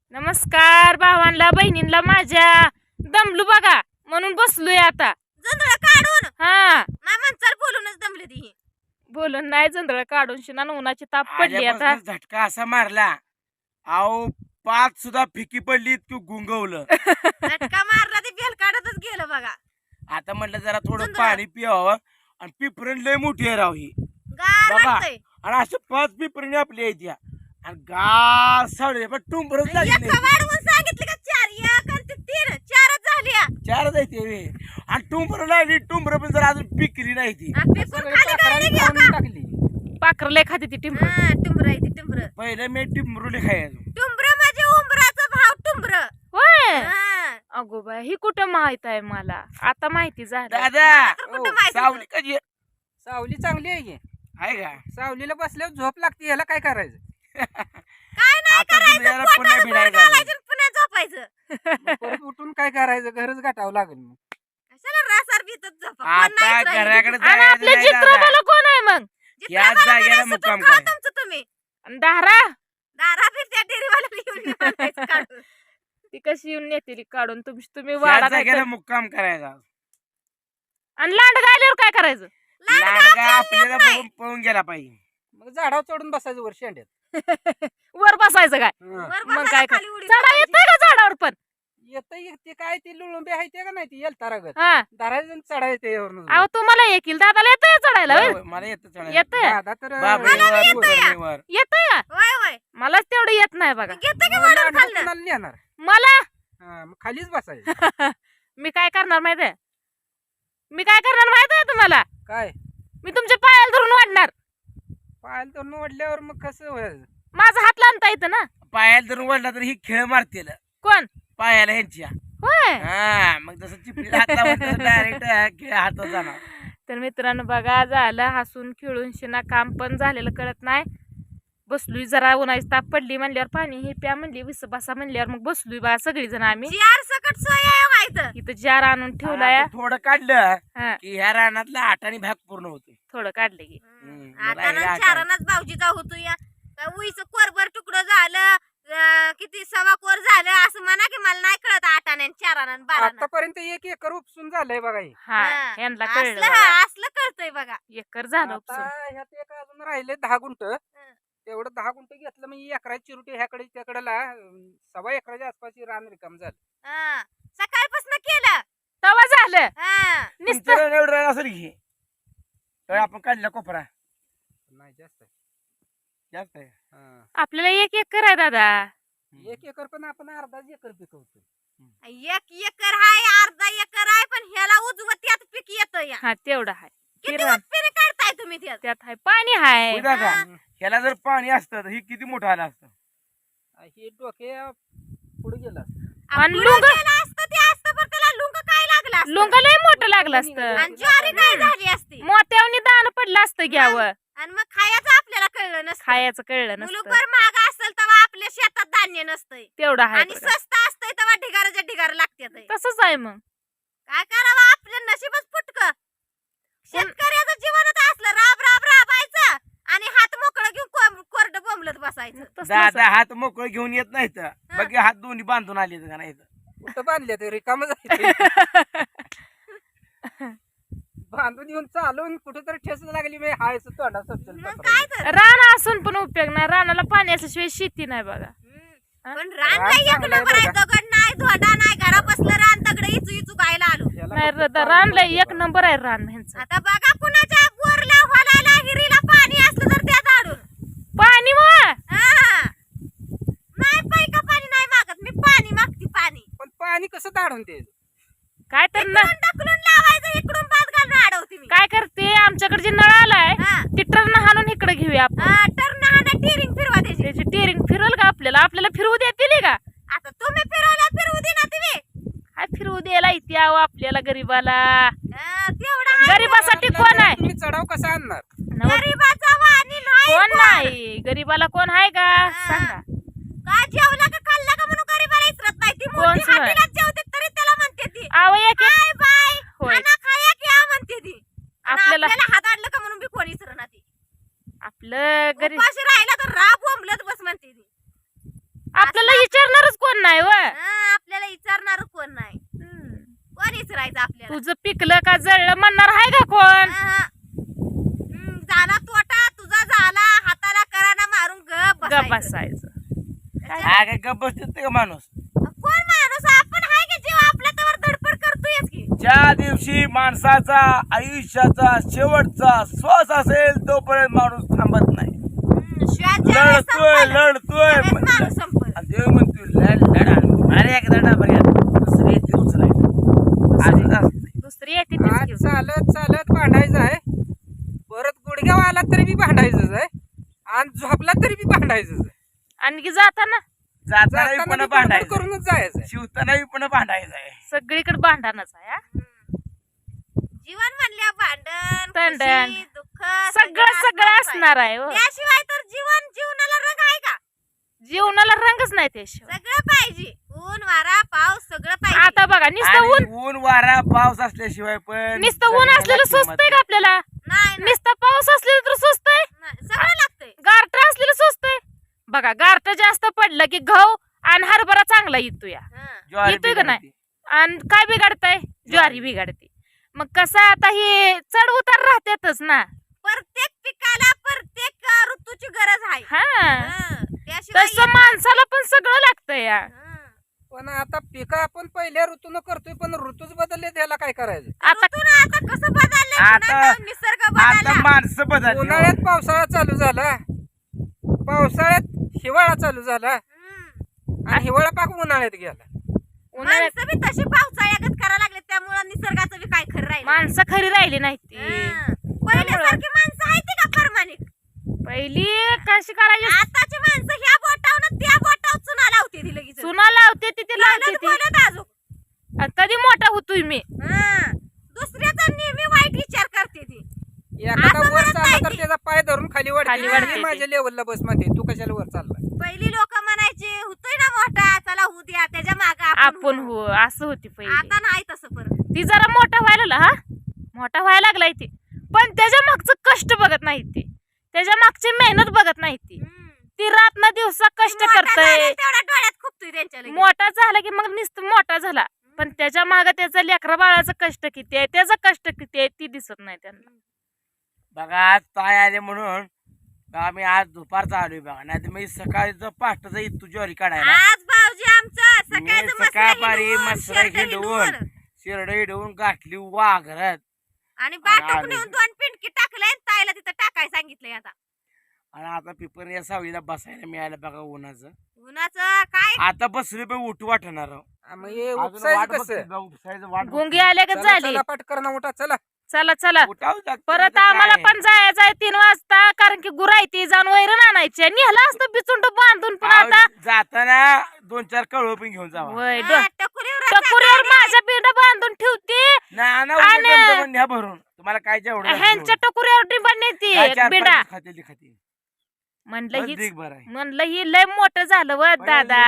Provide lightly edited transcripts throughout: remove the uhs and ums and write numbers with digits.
नमस्कार भावांना बहिणींना माझ्या. दमलू बघा म्हणून बसलोय आता. जंधळ काढून हा नाही म्हणचाल बोलूनच दमले ती. बोलून नाही जंधळ काढून शिना उन्हाची ताप पडली आता. आल्यापासून झटका असा मारला अहो 5 सुद्धा फिकी पडली तू गुंगवलं. झटका मारला ते बेल काढतच गेलं बघा. आता म्हटलं जरा थोडं सुंदर. पाणी पिवावं आणि पिपरण लय मोठी आहे राव ही गार बघा. वाटतंय. आणि असं 5 पिपरणी आपली आहेत या आणि गार सावळे पण टुंबरच झाली एका नाही. वाढवून सांगितलं का 4 एक आणि ते 3 4च झाल्या. 4 जायते वे आणि टुंबर लागली टुंबर पण जरा अजून पिकली नाही ती. आ, पिकून खाली काढली की का? पाखरले खाते ती टिंबर. हा, टुंबर आहे ती टुंबर. पहिलं मी टिंबरुले खायचो. टुंबर म्हणजे उंबराचा भाव टुंबर. होय हा. अगो बाय ही कुठं माहित आहे मला आता माहिती झालं. दादा तर कुठं माहिती सावली होतं? कधी सावली चांगली आहे की. आहे का सावलीला बसल्यावर झोप लागते, याला काय करायचं? काय नाही आता करायचं, तुम्हाला पुन्हा पोटाला भर भिडायचं. घालायचं आणि पुन्हा झोपायचं. मग परत उठून काय करायचं? घरच गाठावं लागेल मग. कशाला रासार भीतच झोपा. कोण आता नाहीच राहिलं. घराकडे आणि जायचं आपल्या नाही दादा. चित्रपाला कोण आहे मग? जिथं याच मला जागेला म्हणायचं मुक्काम तुमचं करा. तुमचं तुम्ही. आणि दारा दारा फिरत्या डेअरीवाल्याला येऊन म्हणायचं काढून. ती कशी येऊन नेते काढून तुम्ही याच वाडा काय जागेला कर- मुक्काम करायचा. आणि लांड गायल्यावर काय करायचं? लांडगा आपल्याला बघून पळून गेला पाहिजे. मग झाडावर चढून बसायचं वर शेंड्यात. वर बसायचं काय? हं. वर मग बसायला काय खाली उडी चढा मारायची. येतंय का झाडावर पण? येतं ते काय ती लुळुंबे आहे ते का नाही ती येलतारागत हा धरायचं आणि चढायचं यावरून. अहो तुम्हाला येईल दादाला येतंय चढायला होय, होय? होय, मला येतं चढायला. येतंय दादा तर बापरे, वर, येतंय. वर. येतंय का? होय होय. मलाच तेवढं येत नाही बघा. घेतं की मग वडून लांडगा खाल्लं. कोणाला नेणार? मला हा, मग खालीच बसायचं. मी काय करणार माहितीये? मी काय करणार माहितीये तुम्हाला? काय मी तुमच्या पायाला धरून वाढणार. पाहायला तर निवडल्यावर मग कसं व्हायचं? माझा हात लांबता येतं ना. पायाला जर वळला तर ही खेळ मारतील कोण? पायाला ह्यांच्या. होय. हा मग जसं चिपळीला हातावर डायरेक्ट खेळ हातात जाणार. तर मित्रांनो बघा झालं हसून खेळून शिना काम पण झालेलं कळत नाही. बसलोय जरा उन्हाची ताप पडली म्हणल्यावर पाणी हे प्या म्हणली विस बसा म्हणल्यावर मग बसलोय बा सगळी जण आम्ही. चार सकट सोय आहे व्हायचं. इथं जार आणून ठेवलाय. आता थोडं काढलं हा की ह्या रानातला आठाने भाग पूर्ण होते. थोडं काढले की. मला आता हे चारानाच भाऊजीचा होतो या. उईचं कोरभर तुकडं झालं, किती सवा कोर झालं असं म्हणा की मला नाही कळत 8 आणि 4 आणि 12. आतापर्यंत 1 एकर उपसून झालंय बघा हे. हा यांना कळलं असलं बघा. असलं कळतंय बघा. एकर झालं आता उपसून. ह्यात एक अजून राहिले 10 गुंठ. तेवढं 10 गुंठ घेतलं म्हणजे एकराची चिरुटी ह्याकडे त्याकडेला 1.25 एकराच्या आसपास रान रिकाम झालं. हा. सकाळपासून केलं. तवा झालं हा. नुसतं. तुमचं एवढं रान असेल की तर आपण काढला कोपरा नाही जास्त आहे. जास्त आहे. हा. आपल्याला 1 एकर आहे दादा. 1 एकर पण आपण अर्धाच एकर पिकवतो. 1 एकर हाय, अर्धा एकर आहे, पण ह्याला उजवत त्यात पीक येतं या. हा तेवढं आहे. किती किरण. उत्पन्न काढताय तुम्ही त्यात? त्यात आहे पाणी हाय. होय दादा हा. ह्याला जर पाणी असतं तर ही किती मोठं आलं असतं. हे डोके पुढे गेलं असतं. आणि पुढं लुंग- गेलं असतं ते असतं, पण त्याला लुंग काय लागलं असतं? लुंग लय मोठं लागलं असतं. आणि ज्वारी काय झाली असती? मोत्यावनी दान पडलं असतं घ्यावं. आणि मग खायचं आपल्याला कळलं नसतं. खायचं कळलं नसतं. मुलुकभर महाग असेल तेव्हा आपल्या शेतात धान्य नसतंय, तेवढं आहे आणि बघा. स्वस्त असतंय तेव्हा ढिगाराच्या ढिगार लागतात. तसंच आहे मग. काय करावं, आपलं नशीबच फुटक. शेतकऱ्याचं जीवनच असलं, राब राब राबायचं आणि हात मोकळं घेऊन कोरडं बोंबलत बसायचं. तसलंच दादा हात मोकळं घेऊन येत नाही तर बाकी हात दोन्ही बांधून आले का नाही तर. कुठं बांधले ते रिकाम बांधून येऊन चालून कुठेतरी ठेस लागली म्हणजे हाय तोंडा मग काय तर. रान असून पण उपयोग नाही. रानाला पाणी असल्याशिवाय शेती नाही बघा. पण रान रान नाही, एक चांगलं आहे नंबर आहे. बरं का? दगड नाही, धोडा नाही, घरा बसलं रान दगड इचू इचू गायला आलो. नाही रान लय 1 नंबर आहे रान ह्यांचं. आता बघा कुणाच्या बोरला होलायला हिरीला पाणी असलं तर त्या झाडून. पाणी मग हा. नाही पैका पाणी नाही मागत मी, पाणी मागती पाणी. पण पाणी कसं दाढून ते? काय तर न इकडून ढकलून लावायचं, इकडून पात घालून अडवते मी. काय करते आमच्याकडे जे नळ आलाय हा. ते टर्न हाणून इकडे घेऊया आपण. टर्न हाणा, टिरिंग फिरवा त्याची. त्याची टेरिंग फिरवल का आपल्याला? आपल्याला फिरवू देतील का? आता तुम्ही फिरवल्या फिरवू दे ना तुम्ही. काय फिरवू द्यायला इथे यावं आपल्याला गरीबाला? तेवढा आहे. गरीबासाठी कोण आहे? तुम्ही चढाव कसा आणणार? नव- गरीबाचा वाणी नाही कोण नाही गरीबाला कोण आहे का सांगा. का जेवला का खाल्ला का म्हणून गरीबाला इचरत नाही. ती मोठी कोण हातीला जेवते तरी त्याला म्हणते ती आव एक काय बाय होय. खाना खाया क्या म्हणते ती. आणि आपल्याला- आपल्याला हात आणलं का म्हणून बी कोणी इचरना ती. आपलं गरीब उपाशी राहिला तर राब बोंबलत बस म्हणते ती. आपल्याला विचारणार विचारणारच कोण नाही व आपल्याला विचारणार कोण नाही. कोण विचारायचं आपल्याला? तुझं पिकलं का जळलं म्हणणार आहे का कोण? झाला तोटा तुझा झाला, हाताला कराना मारून गप गप बसायचं. बसायचं. हा काय गप्प बसते का माणूस? कोण माणूस आपण हाय की जीव आपल्या तवर धडपड करतोयच की. ज्या दिवशी माणसाचा आयुष्याचा शेवटचा श्वास असेल तोपर्यंत माणूस थांबत नाही. लढतोय लढतोय माणूस संपल. आणि देव म्हणतोय लढा अरे एक लढा बघा दुसरी येते उचलाय. दुसरी येते तीच आज घेऊन. चालत चालत भांडायचं आहे, परत गुडघ्यावर आला तरी बी भांडायचंच आहे, आणि झोपला तरी बी भांडायचंच आहे. आणखी जाताना जाताना जाताना पण बी भांडायचं, करूनच जायचं आहे. शिवताना पण भांडायचं आहे. सगळीकडे भांडणच आहे हा. जीवन म्हणल्या भांडण भांडण. खुशी, दुःख सगळं सगळं असणार आहे हो. त्याशिवाय तर जीवनाला रंग आहे का? जीवनाला रंगच नाही त्याशिवाय. सगळं पाहिजे, ऊन वारा पाऊस सगळं पाहिजे. आता बघा नुसतं आणि ऊन ऊन वारा पाऊस असल्याशिवाय पण नुसतं ऊन जगाला असलेलं किंमत सुचतंय का आपल्याला? नाही नाही, नुसतं पाऊस असलेलं तर सुचतंय. नाही, सगळं लागतंय. गारठ असलेलं सुचतंय. बघा गारठ जास्त पडलं की गहू आणि हरभरा चांगला येतो या. ज्वारी येतोय का नाही? बिघडते. आणि काय बिघडतंय? ज्वारी बिघडते. मग कसं आता हे चढ उतार राहतेच ना. प्रत्येक पिकाला प्रत्येक ऋतूची गरज आहे. हा त्याशिवाय तसं माणसाला पण सगळं लागतंय या. पण आता पिकं आपण पहिल्या ऋतून करतोय, पण ऋतूच बदलले त्याला काय करायचं? आता आता कसं बदललंय आता- पुन्हा निसर्ग आता बदलला. माणसं बदलली. उन्हाळ्यात पावसाळा चालू झाला, पावसाळ्यात हिवाळा चालू झाला, आणि हिवाळा पाक उन्हाळ्यात गेला. उन्हाळ्यात माणसं बी तशी पावसाळ्यागत करायला लागले, त्यामुळे निसर्गाचं बी काय खरं राहिलं. माणसं खरी राहिली नाही ती. पहिल्यासारखी माणसं आहेत का प्रामाणिक? पहिली कशी करायची? आताची माणसं ह्या बोटावनं त्या बोटावर चुना लावते ती लगेच. चुना लावते ती ते लावते लावलं ती. बोलत अजून. आणि कधी मोठा होतोय मी. दुसऱ्याचा नेहमी वाईट विचार करते ती. एखादा असं वर म्हणत चालला नाही तर ती. त्याचा पाय धरून खाली खाली वाढते, वाढते "हे ती." माझ्या लेवलला बस मध्ये, तू कशाला वर चालला? पहिली लोक म्हणायची होतोय ना मोठा, चला होऊ द्या, त्याच्या माग आपण हो असं होती पहिली. आता नाही तसं परत. ती जरा मोठा व्हायला लागला हा. मोठा व्हायला लागलाय ती. पण त्याच्या मागचं कष्ट बघत नाही ती. त्याच्या मागची मेहनत बघत नाही ती. ती रात ना दिवसा कष्ट मोठा करतय. झाल्यावर तेवढा डोळ्यात खुपतोय त्यांच्या लगेच. मोठा झाला की मग नुसतं मोठा झाला. पण त्याच्या माग त्याचं लेकरा बाळाचं कष्ट किती आहे, त्याचं कष्ट किती आहे ती दिसत नाही त्यांना. बघा आज ताय आले म्हणून आम्ही आज दुपारचा आलोय बघा, नाही तर मी सकाळचं पाष्टाचा इथू ज्वारी काढायला. आज भाऊजी आमचं मी सकाळचं सकाळपारी मसरा मसरा हिंडवून शिरड हिंडवून गाठली वाघरात. आणि बाटूक आले. नेऊन 2 पिंडकी टाकलंय आणि ताईला तिथं टाकाय सांगितलंय. आता आणि आता पिपर या सावलीला बसायला मिळालं बघा उन्हाचं. उन्हाचं काय आता बसले पण उठू वाटणार आहो. मग हे अजून उपसायचं वाट कसं? बघतोय बा, उपसायचं वाट गुंगी बघतोय. आल्या का चला, झाली. चला, पटकन उठा, चला. चला चला उठावं लागतं, परत तर आम्हाला काय? पण जायचं आहे 3 वाजता. कारण की गुरायती जाऊन वैरण आणायची. नेहला असतं बिचुंड बांधून पण अहो, आता जाताना 2-4 कळव पण घेऊन जावा. वय हा, टकुरीवर रस्ता टकुरीवर काढली. माझ्या पिंड बांधून ठेवते. आणि- न्या भरून तुम्हाला काय जेवढं ह्यांच्या टकुरीवर डिंबण नेते बिंडा. म्हणलं हीच म्हणलं ही लय मोठं झालं व दादा.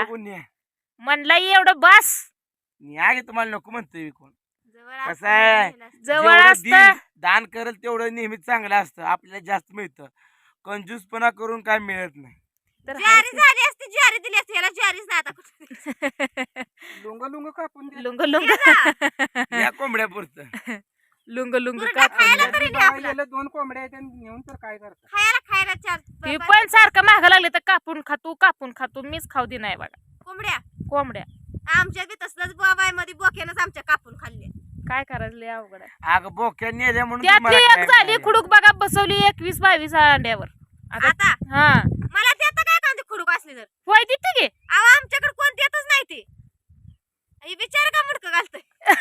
म्हणलं ही एवढं बास न्या गे तुम्हाला नको म्हणतोय कोण. जवळ कसं असतं, आहे? नेलं असतं. जवळ जेवढं असतं. देईल, दान करेल तेवढं नेहमी चांगलं असतं. आपल्याला जास्त मिळतं. कंजूसपणा करून काय मिळत नाही. तर ज्वारी झाली असती, ज्वारी दिली असती. याला ज्वारीच नाही आता कुठं. लुंग लुंग कापून दे. लुंग लुंग या कोंबड्या पुरतं. लुंग लुंग कुरडा कापून खायला द्या. तरी बघायला नाही आपला. गेलं 2 कोंबड्या आहेत आणि नेऊन तर काय करता? खायला चार ती पण सारखं माग लागले तर कापून खातो मीच खाऊ दे नाही बघा कोंबड्या. कोंबड्या. आमच्या बी तसलंच बाबाय मध्ये बोक्यानंच आमच्या कापून खाल्ले. काय करायचं लय अवघड आहे. अगं बोक्या नेल्या म्हणून त्यातली तुम्हाला एक काय झाली मिळालं? खुडूक बघा बसवली 21-22 अंड्यावर. आता आता हा मला देता काय कांदे खुडूक असली तर? होय तिथे गे. अहो आमच्याकडे कोण देतच नाही ते. हे बिचार का मुडकं घालतंय.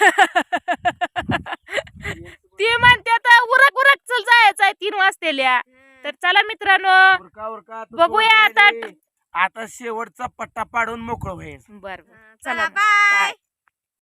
ती म्हणते आता उरक चल जायचंय 3 वाजतेल्या. तर चला मित्रांनो उरका आता बघूया आता. आता शेवटचा पट्टा पाडून मोकळं व्हायचं. बर चला चला बाय.